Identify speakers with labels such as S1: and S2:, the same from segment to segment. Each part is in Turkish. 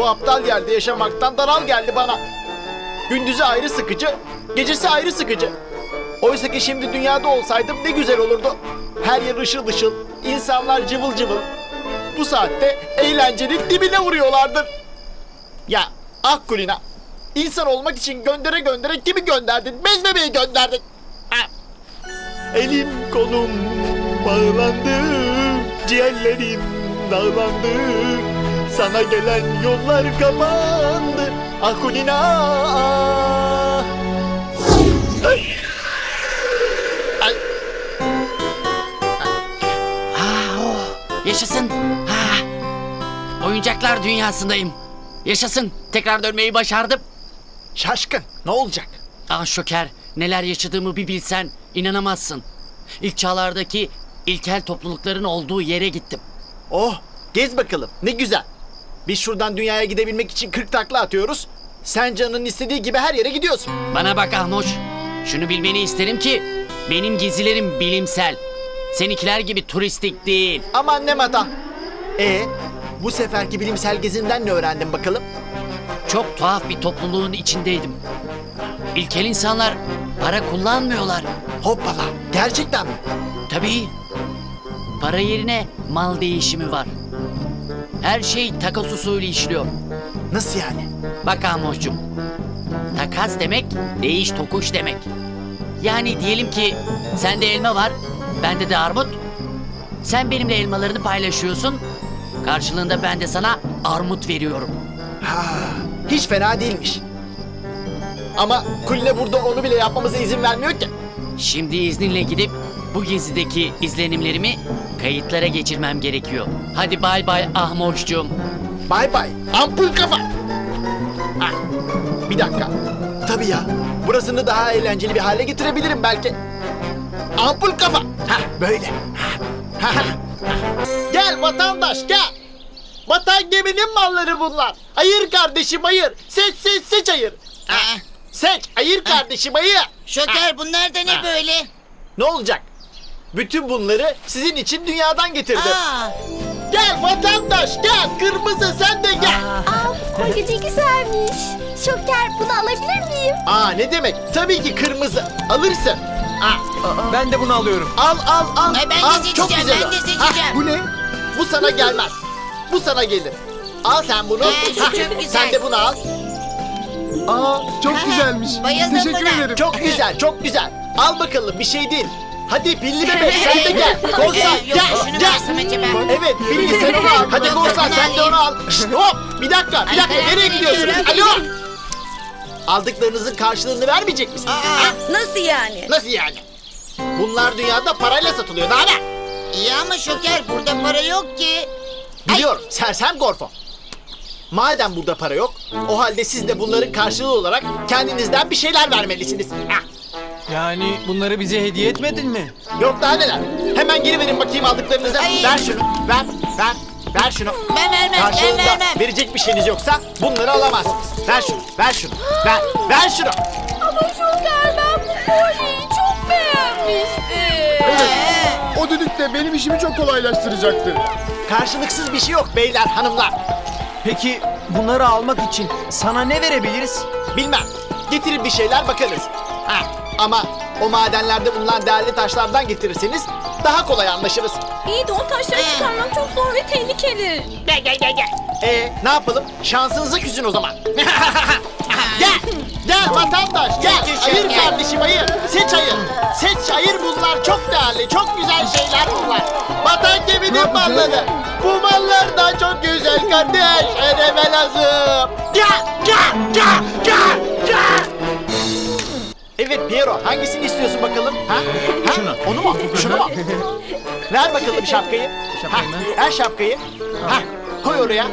S1: Bu aptal yerde yaşamaktan daral geldi bana. Gündüzü ayrı sıkıcı, gecesi ayrı sıkıcı. Oysa ki şimdi dünyada olsaydım ne güzel olurdu. Her yer ışıl ışıl, insanlar cıvıl cıvıl. Bu saatte eğlencenin dibine vuruyorlardır. Ya Kulina, insan olmak için göndere göndere kimi gönderdin? Bezmemeyi gönderdin. Ha. Elim kolum bağlandı, ciğerlerim dağlandı. Sana gelen yollar kapandı. Kulina. Ay. Ay.
S2: Yaşasın. Oyuncaklar dünyasındayım. Yaşasın. Tekrar dönmeyi başardım.
S1: Şaşkın, ne olacak?
S2: Şoker, neler yaşadığımı bir bilsen inanamazsın. İlk çağlardaki ilkel toplulukların olduğu yere gittim.
S1: Oh, gez bakalım, ne güzel. Biz şuradan dünyaya gidebilmek için 40 takla atıyoruz. Sen canının istediği gibi her yere gidiyorsun.
S2: Bana bak Ahmoş. Şunu bilmeni isterim ki benim gezilerim bilimsel. Seninkiler gibi turistik değil.
S1: Aman ne mata. Bu seferki bilimsel gezinden ne öğrendin bakalım?
S2: Çok tuhaf bir topluluğun içindeydim. İlkel insanlar para kullanmıyorlar.
S1: Hoppala, gerçekten mi?
S2: Tabii. Para yerine mal değişimi var. Her şey takas usulü işliyor.
S1: Nasıl yani?
S2: Bak Ahmoş'cum. Takas demek değiş tokuş demek. Yani diyelim ki sende elma var, bende de armut. Sen benimle elmalarını paylaşıyorsun. Karşılığında ben de sana armut veriyorum.
S1: Hiç fena değilmiş. Ama Kulina burada onu bile yapmamıza izin vermiyor ki.
S2: Şimdi izninle gidip bu gezideki izlenimlerimi kayıtlara geçirmem gerekiyor. Hadi bay bay Ahmoş'cum.
S1: Bay bay, ampul kafa. Bir dakika. Tabii ya, burasını daha eğlenceli bir hale getirebilirim belki. Ampul kafa. Böyle. Gel vatandaş, gel. Vatan geminin malları bunlar. Ayır kardeşim, ayır. Seç ayır. Seç, ayır kardeşim, ayır.
S3: Şoker bunlar da ne böyle?
S1: Ne olacak? Bütün bunları sizin için dünyadan getirdim. Gel vatandaş, gel. Kırmızı sen de gel.
S4: Kolye ne güzelmiş. Şoker bunu alabilir miyim?
S1: Ne demek? Tabii ki kırmızı. Alırsın.
S5: Ben de bunu alıyorum.
S1: Al.
S3: Ben de
S1: Al,
S3: seçeceğim,
S1: çok güzel
S3: ben
S1: o.
S3: de seçeceğim.
S1: Bu ne? Bu sana gelmez. Bu sana gelir. Al sen bunu.
S3: Şu çok güzel.
S1: Sen de bunu al.
S5: Çok güzelmiş.
S3: Bayıldım
S5: Teşekkür
S3: buna.
S5: ederim.
S1: Çok güzel, çok güzel. Al bakalım, bir şey değil. Hadi pilli bebek sen de gel. Korsan
S3: Yok, şunu
S1: gel.
S3: versem acaba?
S1: Evet, pilli sen onu al. Hadi
S3: Yok,
S1: korsan
S3: bunu
S1: sen de onu al. Şşt, hop, bir dakika.
S3: Ay,
S1: Nereye
S3: karar
S1: gidiyorsunuz?
S3: veriyorum.
S1: Alo. Aldıklarınızın karşılığını vermeyecek misiniz?
S4: Nasıl yani?
S1: Nasıl yani? Bunlar dünyada parayla satılıyor. Daha ne?
S3: İyi ama Şoker burada para yok ki.
S1: Biliyorum, sersem Gorfo. Madem burada para yok, o halde siz de bunların karşılığı olarak kendinizden bir şeyler vermelisiniz.
S5: Yani bunları bize hediye etmedin mi?
S1: Yok daha neler. Hemen geri verin bakayım aldıklarınızı.
S3: Ay.
S1: Ver şunu, ver şunu.
S3: Ben vermem, ben
S1: Karşılığında
S3: vermem.
S1: verecek bir şeyiniz yoksa bunları alamazsınız. Ver şunu, ver şunu.
S4: Ama Şoker ben bu kolyeyi çok beğenmiştim.
S6: O düdük de benim işimi çok kolaylaştıracaktı.
S1: Karşılıksız bir şey yok beyler, hanımlar.
S5: Peki bunları almak için sana ne verebiliriz?
S1: Bilmem, getirin bir şeyler bakarız. Ama o madenlerde bulunan değerli taşlardan getirirseniz daha kolay anlaşırız.
S4: İyi de o taşları çıkarmak çok zor ve tehlikeli.
S1: Gel. Ne yapalım? Şansınıza küsün o zaman. Gel vatandaş gel. Ayır kardeşim ayır. Seç ayır bunlar çok değerli, çok güzel şeyler bunlar. Vatan geminin malları. Bu mallar da çok güzel kardeş. Ödeme lazım. Gel. Evet Piero, hangisini istiyorsun bakalım? Şunu. Onu mu? Şunu mu? Ver bakalım şapkayı.
S5: Şapkayı mı?
S1: Ver şapkayı. Koy oraya.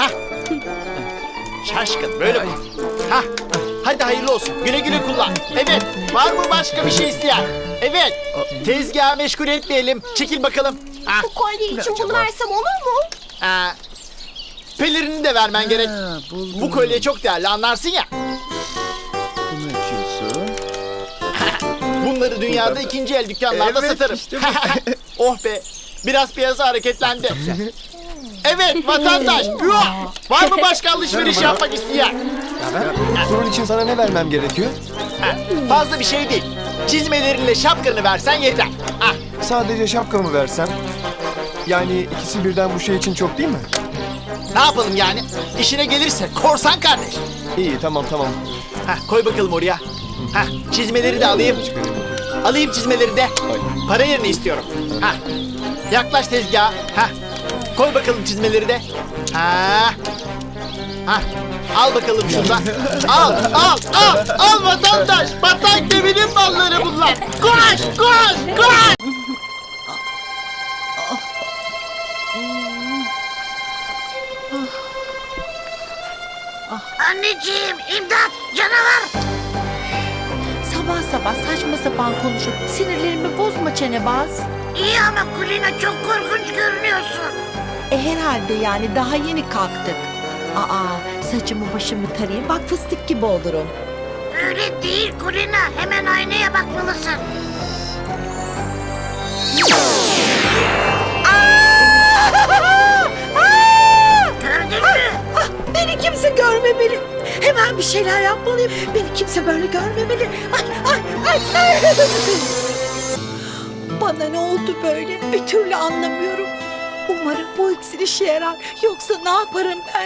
S1: Şaşkın böyle koy. Hadi hayırlı olsun. Güle güle kullan. Evet. Var mı başka bir şey isteyen? Evet. Tezgahı meşgul etmeyelim. Çekil bakalım.
S4: Bu kolye için bunu versem olur mu?
S1: Pelerini de vermen gerek. Bu kolye çok değerli, anlarsın ya.
S6: Bunu açıyorsun.
S1: Bunları dünyada ikinci el dükkanlarda
S6: Evet,
S1: satarım.
S6: işte
S1: Oh be. Biraz piyasa hareketlendi. Evet vatandaş. Yuh! Var mı başka alışveriş yapmak isteyen?
S6: Bunun için sana ne vermem gerekiyor?
S1: Ha, fazla bir şey değil. Çizmelerinle şapkanı versen yeter. Ah,
S6: Sadece şapkamı versem. Yani ikisi birden bu şey için çok değil mi?
S1: ne yapalım yani? İşine gelirse korsan kardeş.
S6: İyi tamam.
S1: Ha, koy bakalım oraya. Ha, çizmeleri de alayım. Alayım çizmeleri de. Para yerini istiyorum. Ha, yaklaş tezgaha. Ha, koy bakalım çizmeleri de. Ha, ha, al bakalım şuradan. Al vatandaş. Vatan geminin malları bunlar. Koş.
S3: Anneciğim imdat canavar.
S7: Sabah sabah saçma sapan konuşup sinirlerimi bozma çenebaz.
S3: İyi ama Kulina çok korkunç görünüyorsun.
S7: Herhalde yani daha yeni kalktık. Saçımı başımı tarayayım bak fıstık gibi olurum.
S3: Öyle değil Kulina. Hemen aynaya bakmalısın. Gördün mü?
S7: Beni kimse görmemeli. Hemen bir şeyler yapmalıyım. Beni kimse böyle görmemeli. Ay. Bana ne oldu böyle? Bir türlü anlamıyorum. Umarım bu iksir işe yarar. Yoksa ne yaparım ben?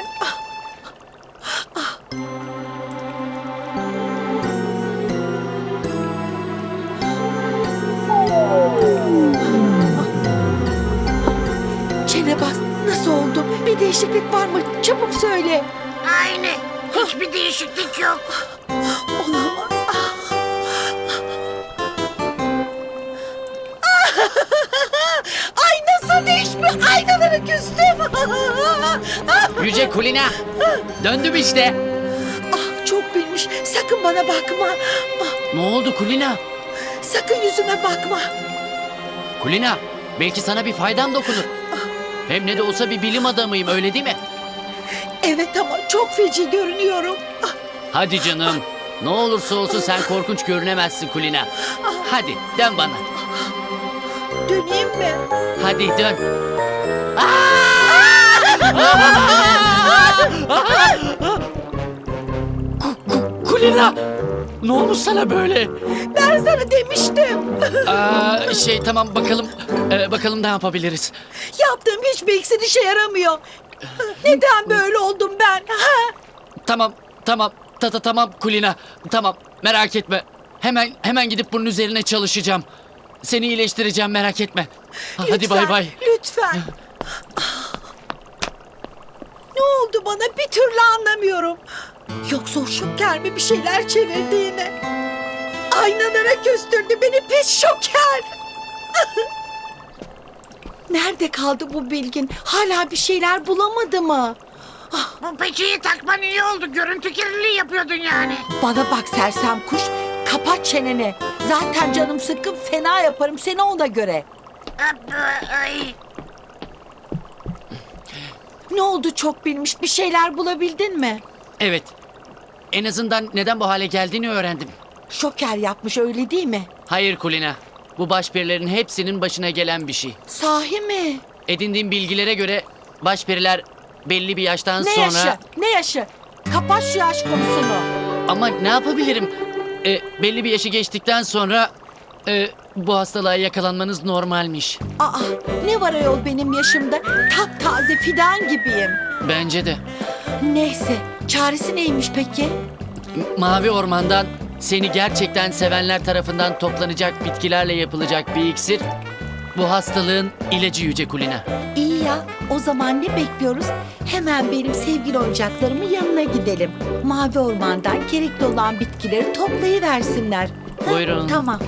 S7: Çenebaz nasıl oldu? Bir değişiklik var mı? Çabuk söyle.
S3: Aynı. Hiçbir değişiklik yok.
S7: Olamaz. Ay nasıl değişmiş? Aynalara küstüm.
S2: Yüce Kulina. Döndüm işte.
S7: Çok bilmiş. Sakın bana bakma.
S2: Ne oldu Kulina?
S7: Sakın yüzüme bakma.
S2: Kulina, belki sana bir faydam dokunur. Hem ne de olsa bir bilim adamıyım, öyle değil mi?
S7: Evet ama çok feci görünüyorum.
S2: Hadi canım. Ne olursa olsun sen korkunç görünemezsin Kulina. Hadi dön bana.
S7: Döneyim mi?
S2: Hadi dön. Kulina! Ne olmuş sana böyle?
S7: Ben sana demiştim.
S2: Tamam bakalım. Bakalım ne yapabiliriz.
S7: Yaptığım hiçbir iksir işe yaramıyor. Neden böyle oldum ben?
S2: Tamam. Tamam Kulina. Tamam, merak etme. Hemen gidip bunun üzerine çalışacağım. Seni iyileştireceğim, merak etme. Hadi
S7: Lütfen,
S2: bay bay.
S7: Lütfen. Ne oldu bana bir türlü anlamıyorum. Yoksa o şoker mi bir şeyler çevirdi yine? Aynalara küstürdü beni pis şoker. Nerede kaldı bu bilgin? Hala bir şeyler bulamadı mı?
S3: Bu peçeyi takman iyi oldu. Görüntü kirliliği yapıyordun yani.
S7: Bana bak sersem kuş, kapat çeneni. Zaten canım sıkkın, fena yaparım seni ona göre.
S3: Ay.
S7: Ne oldu çok bilmiş, bir şeyler bulabildin mi?
S2: Evet. En azından neden bu hale geldiğini öğrendim.
S7: Şoker yapmış öyle değil mi?
S2: Hayır Kulina. Bu başperilerin hepsinin başına gelen bir şey.
S7: Sahi mi?
S2: Edindiğim bilgilere göre başperiler belli bir yaştan
S7: Ne
S2: sonra...
S7: yaşı? Ne yaşı? Kapat şu yaş konusunu.
S2: Ama ne yapabilirim? Belli bir yaşı geçtikten sonra bu hastalığa yakalanmanız normalmiş.
S7: Ne var ayol benim yaşımda? Taptaze fidan gibiyim.
S2: Bence de.
S7: Neyse, çaresi neymiş peki?
S2: Mavi Orman'dan seni gerçekten sevenler tarafından toplanacak bitkilerle yapılacak bir iksir. Bu hastalığın ilacı Yüce Kulina.
S7: İyi ya, o zaman ne bekliyoruz? Hemen benim sevgili oyuncaklarımın yanına gidelim. Mavi Orman'dan gerekli olan bitkileri toplayıversinler.
S2: Buyurun.
S7: Tamam.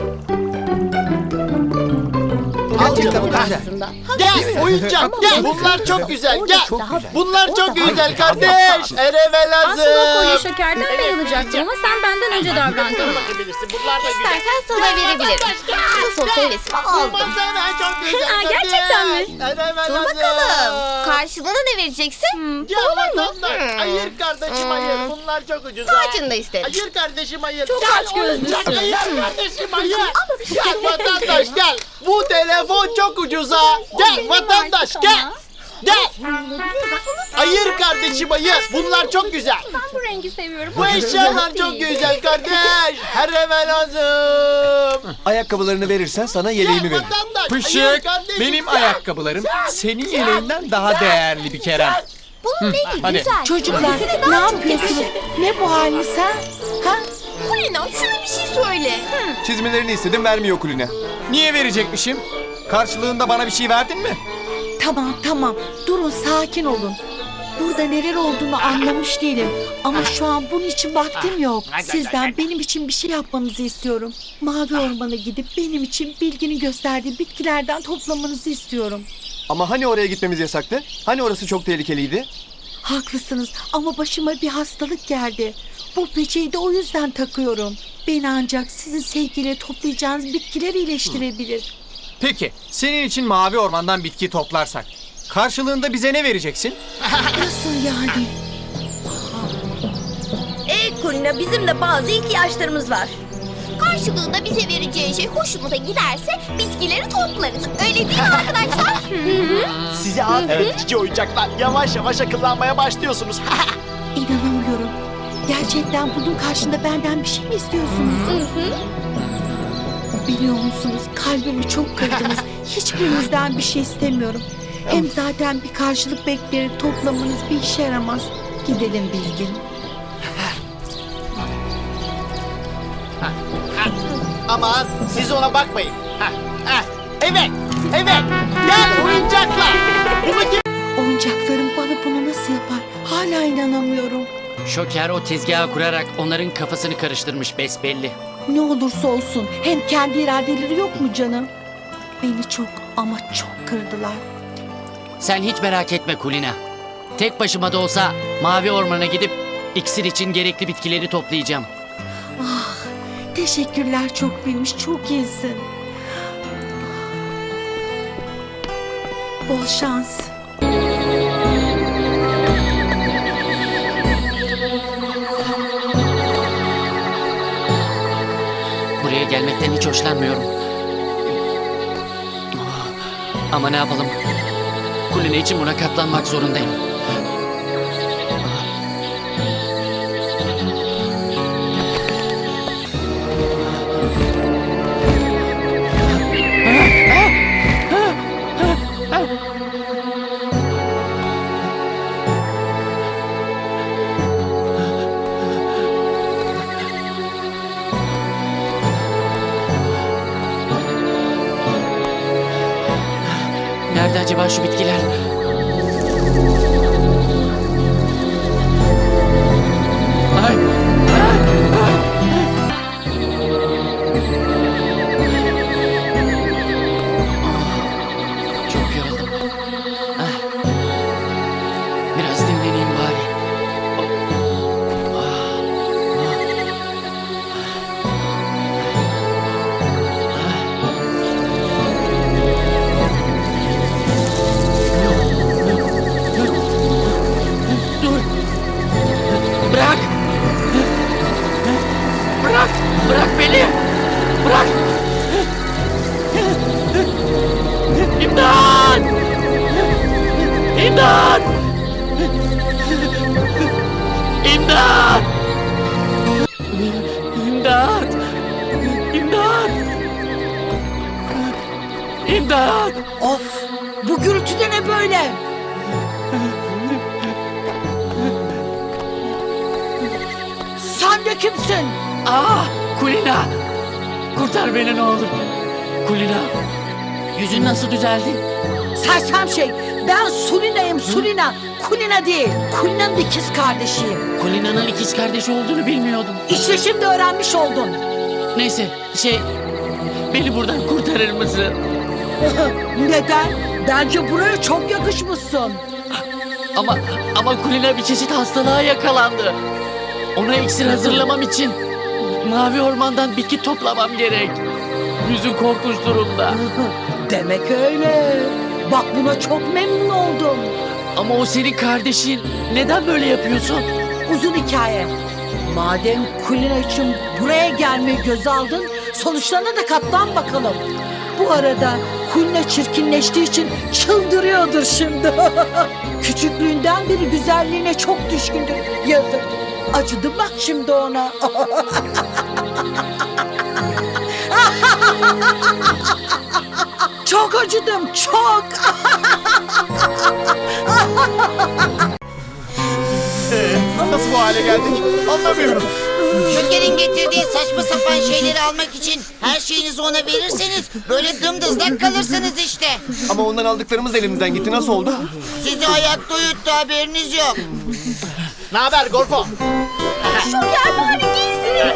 S1: Al canım. Ha. Gel oyuncak gel. Bunlar çok güzel. Gel. Bunlar çok güzel kardeş. Erevel
S4: Aslında o kolye
S1: hazır.
S4: şekerden bayılacaktım ama sen benden önce davrandın.
S1: Bakabilirsin. Bunlar da güzel.
S4: İstersen sana verebilirim. Nasıl olsa hevesimi aldım.
S1: Baksana çok güzel.
S4: Aa, gerçekten mi?
S1: Erevel
S8: Dur
S1: hazır.
S8: bakalım. Karşılığında ne vereceksin?
S1: Ya vatandaş. Hayır kardeşim hayır. Bunlar çok ucuz.
S8: Kaçını da isterim.
S1: Hayır kardeşim hayır.
S4: Çok
S1: Gel
S4: açgözlüsün.
S1: oyuncak, hayır kardeşim hayır. Gel vatandaş gel. Bu telefon çok ucuza. Gel vatandaş gel. Gel. Ayır kardeşim ayır. Bunlar çok güzel.
S4: Ben bu rengi seviyorum.
S1: Bu eşyalar çok güzel kardeş. Her eve lazım.
S6: Ayakkabılarını verirsen sana yeleğimi
S1: Gel
S6: veririm.
S1: vatandaş, ayır
S5: Pışık,
S1: kardeşim,
S5: benim
S1: sen.
S5: ayakkabılarım senin yeleğinden daha değerli bir Kerem.
S8: Bunun rengi
S5: hadi.
S8: güzel.
S7: Çocuklar ne yapıyorsunuz? Ne bu haliniz ha? Ha?
S8: Kulina şuna bir şey söyle.
S6: Çizmelerini istedim, vermiyor Kulina.
S5: Niye verecekmişim? Karşılığında bana bir şey verdin mi?
S7: Tamam. Durun, sakin olun. Burada neler olduğunu anlamış değilim. Ama şu an bunun için vaktim yok. Sizden benim için bir şey yapmanızı istiyorum. Mavi Orman'a gidip benim için Bilge'nin gösterdiği bitkilerden toplamanızı istiyorum.
S6: Ama hani oraya gitmemiz yasaktı? Hani orası çok tehlikeliydi?
S7: Haklısınız ama başıma bir hastalık geldi. Bu peçeyi de o yüzden takıyorum. Beni ancak sizin sevgiyle toplayacağınız bitkiler iyileştirebilir.
S5: Peki, senin için mavi ormandan bitki toplarsak karşılığında bize ne vereceksin?
S7: Nasıl yani?
S8: Kulina bizim de bazı ihtiyaçlarımız var. Karşılığında bize vereceği şey hoşumuza giderse bitkileri toplarız. Öyle değil mi arkadaşlar?
S1: Size aferin cici oyuncaklar. Yavaş yavaş akıllanmaya başlıyorsunuz.
S7: İnanamıyorum. Gerçekten bunun karşında benden bir şey mi istiyorsunuz? Biliyor musunuz, kalbimi çok kırdınız. Hiçbirinizden bir şey istemiyorum. Hem zaten bir karşılık bekleyerek toplamanız bir işe yaramaz. Gidelim Bilgin.
S1: Aman siz ona bakmayın. Evet. Gel oyuncaklar. Bunu kim...
S7: Oyuncaklarım bana bunu nasıl yapar? Hala inanamıyorum.
S2: Şoker o tezgahı kurarak onların kafasını karıştırmış besbelli.
S7: Ne olursa olsun hem kendi iradeleri yok mu canım? Beni çok ama çok kırdılar.
S2: Sen hiç merak etme Kulina. Tek başıma da olsa Mavi Orman'a gidip iksir için gerekli bitkileri toplayacağım.
S7: Teşekkürler, çok bilmiş, çok iyisin. Bol şans.
S2: Buraya gelmekten hiç hoşlanmıyorum. Ama ne yapalım? Kulina için buna katlanmak zorundayım. Nerede acaba şu bitkiler? Ay! Çok yoruldum. Biraz dinleneyim bari. Dur! Bırak! Bırak! Bırak beni! Bırak! İmdat! İmdat! İmdat! İmdat! İmdat! İmdat!
S7: Of! Bu gürültü de ne böyle? Sen de kimsin?
S2: Ah! Kulina! Kurtar beni ne olur. Kulina! Yüzün nasıl düzeldi?
S7: Sersem şey, ben Sulina'yım, Sulina. Kulina değil, Kulina'nın ikiz kardeşiyim.
S2: Kulina'nın ikiz kardeşi olduğunu bilmiyordum.
S7: İşte şimdi öğrenmiş oldun.
S2: Neyse, beni buradan kurtarır mısın?
S7: Neden? Bence buraya çok yakışmışsın.
S2: Ama Kulina bir çeşit hastalığa yakalandı. Ona iksir hazırlamam için Mavi Orman'dan bitki toplamam gerek. Yüzü korkunç durumda.
S7: Demek öyle. Bak buna çok memnun oldum.
S2: Ama o senin kardeşin. Neden böyle yapıyorsun?
S7: Uzun hikaye. Madem Kulina için buraya gelmeyi göze aldın, sonuçlarına da katlan bakalım. Bu arada Kulina çirkinleştiği için çıldırıyordur şimdi. Küçüklüğünden beri güzelliğine çok düşkündür. Yazık. Acıdım bak şimdi ona. Çok acıdım, çok.
S1: Nasıl bu hale geldik? Anlamıyorum.
S3: Şoker'in getirdiği saçma sapan şeyleri almak için her şeyinizi ona verirseniz böyle dımdızlak kalırsınız işte.
S6: Ama ondan aldıklarımız da elimizden gitti. Nasıl oldu?
S3: Sizi ayakta uyuttu, haberiniz yok.
S1: Ne haber Gorfo?
S8: Şoker bari giysini.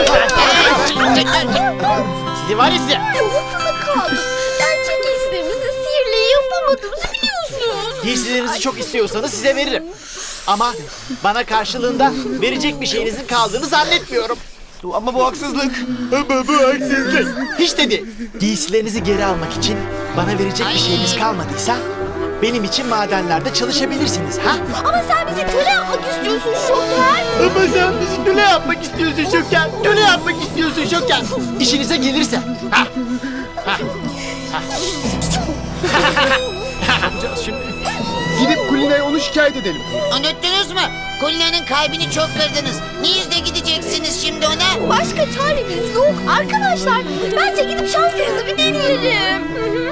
S1: Sizi var ya size.
S8: Akıllı kaldım. Gerçek giysilerimizi sihirle yapamadığımızı biliyorsun.
S1: Giysilerinizi çok istiyorsanız size veririm. Ama bana karşılığında verecek bir şeyinizin kaldığını zannetmiyorum.
S6: Ama bu haksızlık.
S1: Ama bu haksızlık. Hiç de değil. Giysilerinizi geri almak için bana verecek bir şeyiniz kalmadıysa benim için madenlerde çalışabilirsiniz ha?
S8: Ama sen bizi köle yapmak istiyorsun Şoker.
S1: Ama sen bizi köle yapmak istiyorsun Şoker. Köle yapmak istiyorsun Şoker. İşinize gelirse. Ha?
S6: Gidip Kulina'ya onu şikayet edelim.
S3: Unuttunuz mu? Kulina'nın kalbini çok kırdınız. Niyizle gideceksiniz şimdi ona?
S8: Başka çaremiz yok arkadaşlar. Bence gidip şansınızı bir deneyelim.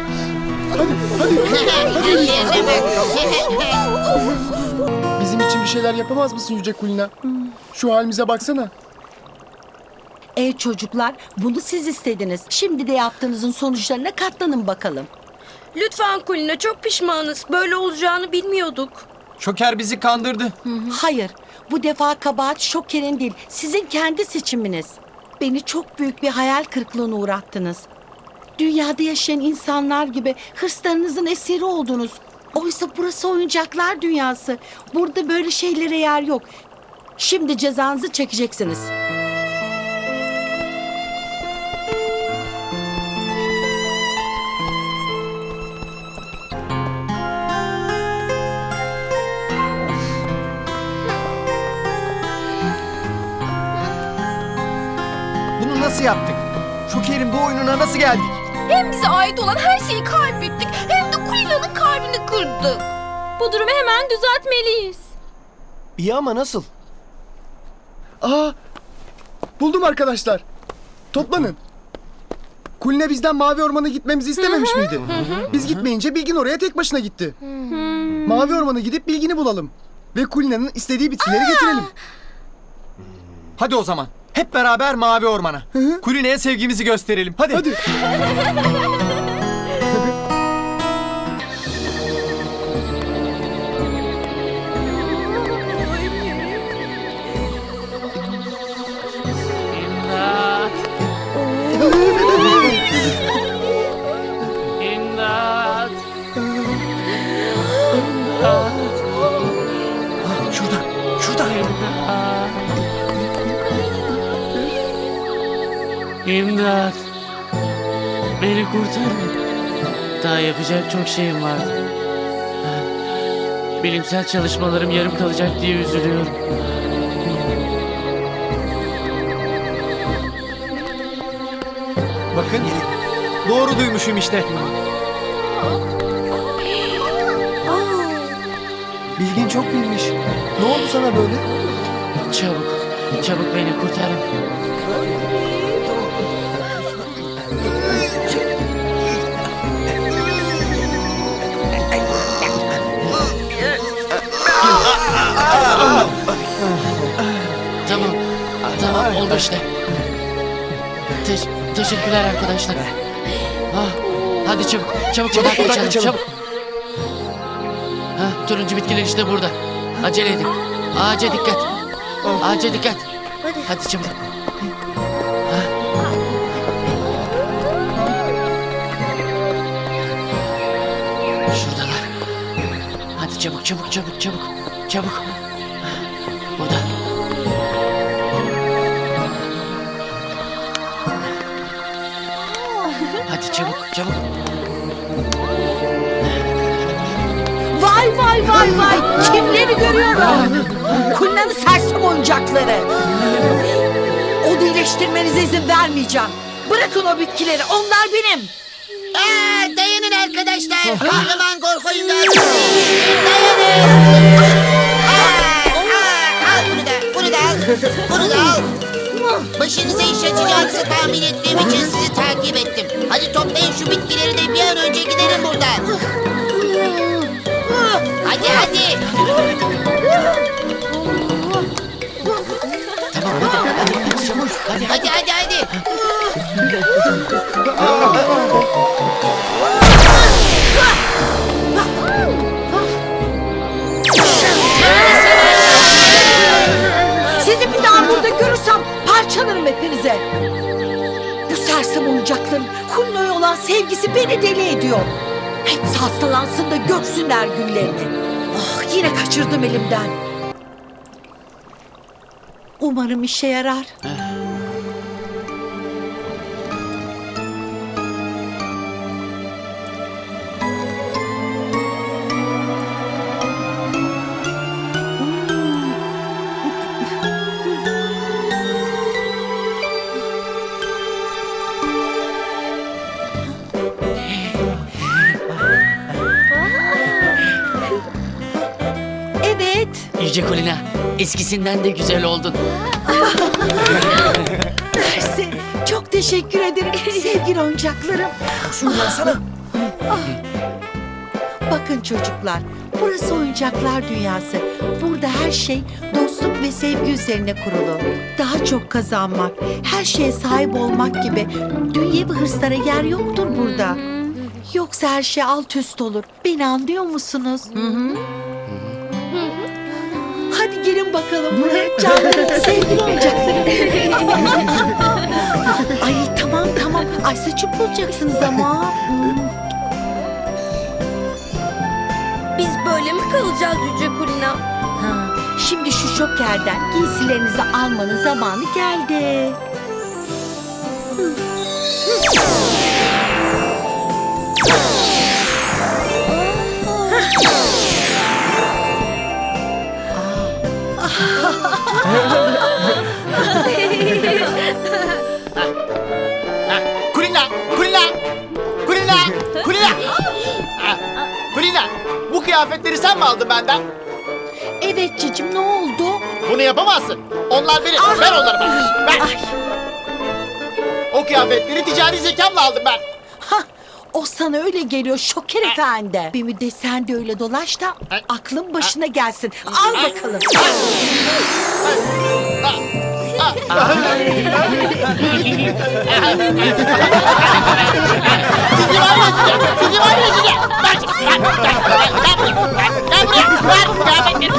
S6: Bizim için bir şeyler yapamaz mısın Yüce Kulina? Şu halimize baksana.
S7: Çocuklar, bunu siz istediniz. Şimdi de yaptığınızın sonuçlarına katlanın bakalım.
S4: Lütfen Kulina, çok pişmanız. Böyle olacağını bilmiyorduk.
S5: Şoker bizi kandırdı.
S7: Hayır, bu defa kabahat Şoker'in değil, sizin kendi seçiminiz. Beni çok büyük bir hayal kırıklığına uğrattınız. Dünyada yaşayan insanlar gibi hırslarınızın esiri oldunuz. Oysa burası oyuncaklar dünyası. Burada böyle şeylere yer yok. Şimdi cezanızı çekeceksiniz.
S5: Bunu nasıl yaptık? Şoker'in bu oyununa nasıl geldik?
S4: Hem bize ait olan her şeyi kaybettik, hem de Kulina'nın kalbini kırdık. Bu durumu hemen düzeltmeliyiz.
S6: İyi ama nasıl? Aa, buldum arkadaşlar. Toplanın. Kulina bizden Mavi Orman'a gitmemizi istememiş miydi? Biz gitmeyince Bilgin oraya tek başına gitti. Mavi Orman'a gidip Bilgin'i bulalım. Ve Kulina'nın istediği bitkileri getirelim.
S5: Hadi o zaman. Hep beraber Mavi Orman'a. Kulina'ya sevgimizi gösterelim. Hadi.
S6: Hadi.
S2: İmdat!
S6: Şurada.
S2: İmdat! Beni kurtarın. Daha yapacak çok şeyim vardı. Bilimsel çalışmalarım yarım kalacak diye üzülüyorum.
S5: Bakın. Doğru duymuşum işte.
S6: Bilgin çok bilmiş. Ne oldu sana böyle?
S2: Çabuk beni kurtarın. Tamam oldu işte. Teşekkürler arkadaşlar. Hadi çabuk kaçalım. Çabuk. Turuncu bitkiler işte burada. Acele edin. Ağaca dikkat. Hadi çabuk. Şuradalar. Hadi çabuk. Burada. Hadi çabuk.
S7: Vay. Kimleri görüyorum? Kulina'nın sersem oyuncakları. Onu iyileştirmenize izin vermeyeceğim. Bırakın o bitkileri. Onlar benim.
S3: Dayanın arkadaşlar. Kahraman korku imdatı. Dayanın. Al bunu da. Bunu da al. Bunu da al. Başınıza iş açacağınızı tahmin ettiğim için sizi takip ettim. Hadi toplayın şu bitkileri de bir an önce gidelim buradan. Hadi hadi.
S2: Tamam hadi çabuk hadi.
S3: Hadi hadi hadi.
S7: Sizi bir daha burada görürsem parçalarım hepinize. Bu sersem oyuncakların Kulino'ya olan sevgisi beni deli ediyor. Hepsi hastalansın da görsünler günlerini. Ah, yine kaçırdım elimden. Umarım işe yarar. Evet.
S2: Yüce Kulina, eskisinden de güzel oldun.
S7: Mersi. Çok teşekkür ederim sevgili oyuncaklarım. Bakın çocuklar, burası oyuncaklar dünyası. Burada her şey dostluk ve sevgi üzerine kurulu. Daha çok kazanmak, her şeye sahip olmak gibi dünyevi hırslara yer yoktur burada. Yoksa her şey alt üst olur. Beni anlıyor musunuz? Hadi gelin bakalım buraya canlı sevgili oyuncaklarım. Ay tamam. Ay saçım bulacaksınız ama.
S8: Biz böyle mi kalacağız Yüce Kulina?
S7: Ha, şimdi şu şokerden giysilerinizi almanın zamanı geldi.
S1: Kulina! Kulina! Bu kıyafetleri sen mi aldın benden?
S7: Evet cicim, ne oldu?
S1: Bunu yapamazsın. Onlar benim. Ver onları bana. Ver.
S7: Ay,
S1: O kıyafetleri ticari zekamla aldım ben.
S7: o sana öyle geliyor Şoker Efendi. Bir müddet sen de öyle dolaş da aklın başına gelsin. Al bakalım.
S1: Sizi var ya size. Sizi var ya size. Ver buraya. Ver kıyafetleri.